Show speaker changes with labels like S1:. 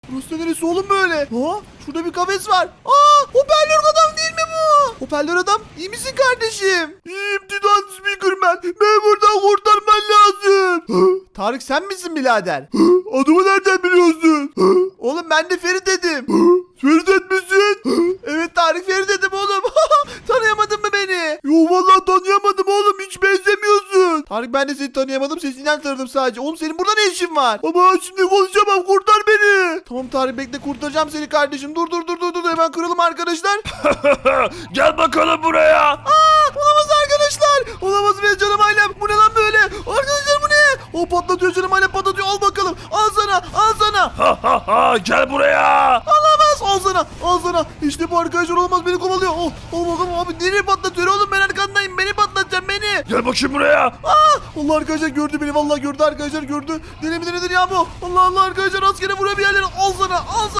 S1: Burası neresi oğlum böyle? Ha? Şurada bir kafes var. Aa, hoparlör adam değil mi bu? Hoparlör adam, iyi misin kardeşim? İyiyim Titan Speakerman. Beni buradan kurtarman lazım. Tarık sen misin birader? Adımı nereden biliyorsun? Oğlum ben de Ferit dedim. Ferit misin? Evet Tarık, Ferit dedim oğlum. Tanıyamadın mı beni? Yok vallahi tanıyamadım oğlum, hiç benzemiyorsun. Tarık ben de seni tanıyamadım, sesinden tanıdım sadece. Oğlum senin burada ne işin var? Ama şimdi konuşamam, kurtar beni. Tamam Tarık bekle, kurtaracağım seni kardeşim. Dur hemen kıralım arkadaşlar.
S2: Gel bakalım buraya.
S1: Olamaz arkadaşlar. Olamaz benim canım ailem. Bu ne lan böyle? Arkadaşlar bu ne? O patlatıyor, canım ailem patlatıyor. Al bakalım. Al sana.
S2: Gel buraya.
S1: Olamaz. Al sana. İşte bu arkadaşlar, olamaz, beni kovalıyor. Oh, al bakalım abi, nereye patlatıyor oğlum, ben arkandayım. Beni patlatacağım, beni.
S2: Gel bakayım buraya.
S1: Allah arkadaşlar gördü beni, vallahi gördü arkadaşlar, gördü. Deli midir nedir ya bu? Allah arkadaşlar, askere vuruyor bir yerlere. Al sana.